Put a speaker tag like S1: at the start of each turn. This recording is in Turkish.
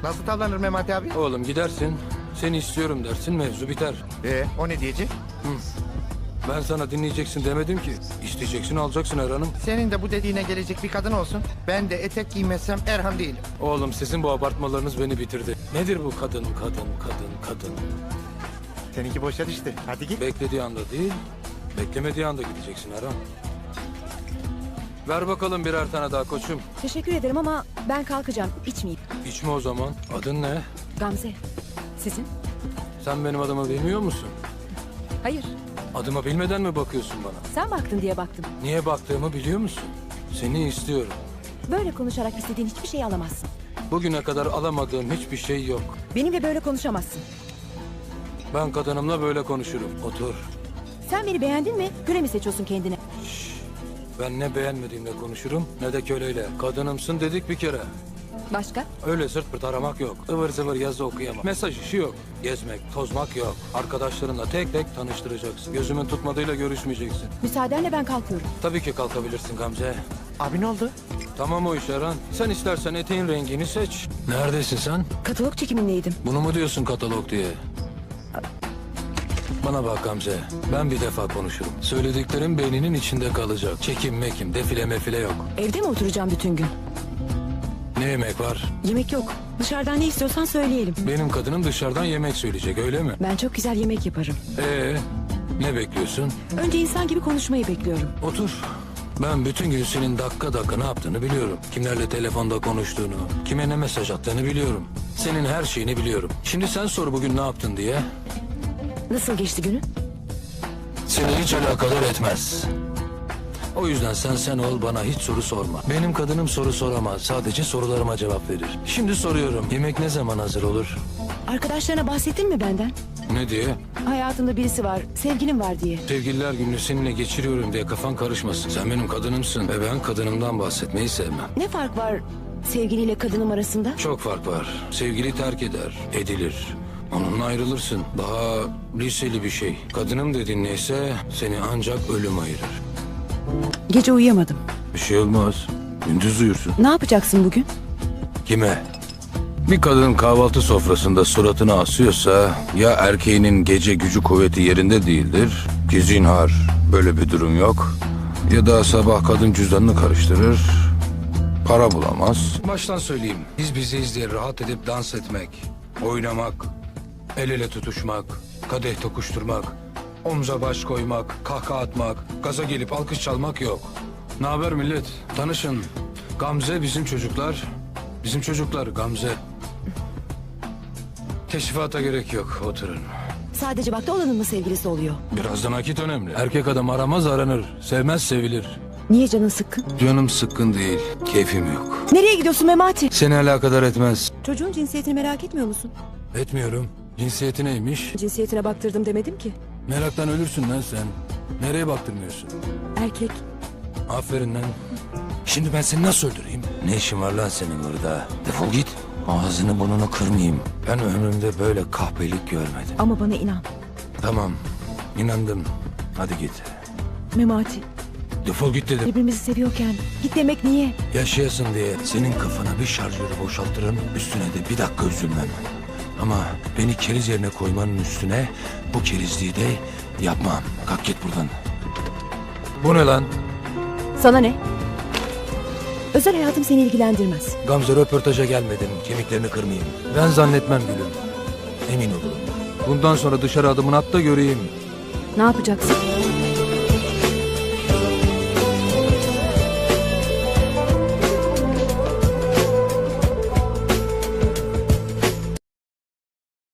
S1: Nasıl tavlanır Memati abi?
S2: Oğlum gidersin, seni istiyorum dersin, mevzu biter.
S1: O ne diyecek?
S2: Ben sana dinleyeceksin demedim ki. İsteyeceksin, alacaksın Erhan'ım.
S1: Senin de bu dediğine gelecek bir kadın olsun. Ben de etek giymezsem Erhan değilim.
S2: Oğlum sizin bu abartmalarınız beni bitirdi. Nedir bu kadın?
S1: Seninki boşa düştü. Hadi git.
S2: Beklediği anda değil, beklemediği anda gideceksin Erhan. Ver bakalım birer tane daha koçum.
S3: Teşekkür ederim ama ben kalkacağım. İçmeyeyim.
S2: İçme o zaman. Adın ne?
S3: Gamze. Sizin?
S2: Sen benim adımı bilmiyor musun?
S3: Hayır.
S2: Adımı bilmeden mi bakıyorsun bana?
S3: Sen baktın diye baktım.
S2: Niye baktığımı biliyor musun? Seni istiyorum.
S3: Böyle konuşarak istediğin hiçbir şeyi alamazsın.
S2: Bugüne kadar alamadığım hiçbir şey yok.
S3: Benimle böyle konuşamazsın.
S2: Ben kadınımla böyle konuşurum. Otur.
S3: Sen beni beğendin mi? Göre mi seçiyorsun kendine?
S2: Ben ne beğenmediğimle konuşurum ne de köleyle. Kadınımsın dedik bir kere.
S3: Başka?
S2: Öyle sırt pırt aramak yok. Ivır zıvır yazı okuyamam. Mesaj işi yok. Gezmek, tozmak yok. Arkadaşlarınla tek tek tanıştıracaksın. Gözümün tutmadığıyla görüşmeyeceksin.
S3: Müsaadenle ben kalkıyorum.
S2: Tabii ki kalkabilirsin Gamze.
S1: Abi ne oldu?
S2: Tamam o iş Erhan. Sen istersen eteğin rengini seç. Neredesin sen?
S3: Katalog çekimindeydim.
S2: Bunu mu diyorsun katalog diye? Bana bak Gamze. Ben bir defa konuşurum. Söylediklerim beyninin içinde kalacak. Çekim mekim, defile mefile yok.
S3: Evde mi oturacağım bütün gün?
S2: Ne yemek var?
S3: Yemek yok. Dışarıdan ne istiyorsan söyleyelim.
S2: Benim kadınım dışarıdan yemek söyleyecek öyle mi?
S3: Ben çok güzel yemek yaparım.
S2: Ne bekliyorsun?
S3: Önce insan gibi konuşmayı bekliyorum.
S2: Otur. Ben bütün gün senin dakika dakika ne yaptığını biliyorum. Kimlerle telefonda konuştuğunu, kime ne mesaj attığını biliyorum. Senin her şeyini biliyorum. Şimdi sen sor bugün ne yaptın diye.
S3: Nasıl geçti günün?
S2: Seni hiç alakadar etmez. O yüzden sen ol, bana hiç soru sorma. Benim kadınım soru soramaz. Sadece sorularıma cevap verir. Şimdi soruyorum. Yemek ne zaman hazır olur?
S3: Arkadaşlarına bahsettin mi benden?
S2: Ne diye?
S3: Hayatımda birisi var, sevgilim var diye.
S2: Sevgililer gününü seninle geçiriyorum diye kafan karışmasın. Sen benim kadınımsın ve ben kadınımdan bahsetmeyi sevmem.
S3: Ne fark var sevgiliyle kadınım arasında?
S2: Çok fark var. Sevgili terk eder, edilir. Onunla ayrılırsın. Daha liseli bir şey. Kadınım dediğin neyse seni ancak ölüm ayırır.
S3: Gece uyuyamadım.
S2: Bir şey olmaz. Gündüz uyursun.
S3: Ne yapacaksın bugün?
S2: Kime? Bir kadın kahvaltı sofrasında suratını asıyorsa ya erkeğinin gece gücü kuvveti yerinde değildir ki zinhar böyle bir durum yok, ya da sabah kadın cüzdanını karıştırır, para bulamaz. Baştan söyleyeyim, biz bizeyiz diye rahat edip dans etmek, oynamak, el ele tutuşmak, kadeh tokuşturmak, omza baş koymak, kahkaha atmak, gaza gelip alkış çalmak yok. Ne haber millet? Tanışın. Gamze bizim çocuklar. Bizim çocuklar Gamze. Teşrifata gerek yok, oturun.
S3: Sadece vakti olanın mı sevgilisi oluyor?
S2: Biraz da nakit önemli. Erkek adam aramaz aranır, sevmez sevilir.
S3: Niye canın sıkkın?
S2: Canım sıkkın değil, keyfim yok.
S3: Nereye gidiyorsun Memati?
S2: Seni alakadar etmez.
S3: Çocuğun cinsiyetini merak etmiyor musun?
S2: Etmiyorum. Cinsiyeti neymiş?
S3: Cinsiyetine baktırdım demedim ki.
S2: Meraktan ölürsün lan sen. Nereye baktırmıyorsun?
S3: Erkek.
S2: Aferin lan. Şimdi ben seni nasıl öldüreyim? Ne işin var lan senin burada? Defol git. Ağzını burnunu kırmayayım. Ben ömrümde böyle kahpelik görmedim.
S3: Ama bana inan.
S2: Tamam, inandım. Hadi git.
S3: Memati,
S2: Defol git dedim.
S3: birbirimizi seviyorken git demek niye?
S2: Yaşayasın diye senin kafana bir şarjörü boşaltırım. Üstüne de bir dakika üzülmem. Ama beni keriz yerine koymanın üstüne bu kerizliği de yapmam. Kalk git buradan. Bu ne lan?
S3: Sana ne? Özel hayatım seni ilgilendirmez.
S2: Gamze, röportaja gelmedim. Kemiklerini kırmayayım. Ben zannetmem gülüm. Emin olun. Bundan sonra dışarı adımını at da göreyim.
S3: Ne yapacaksın?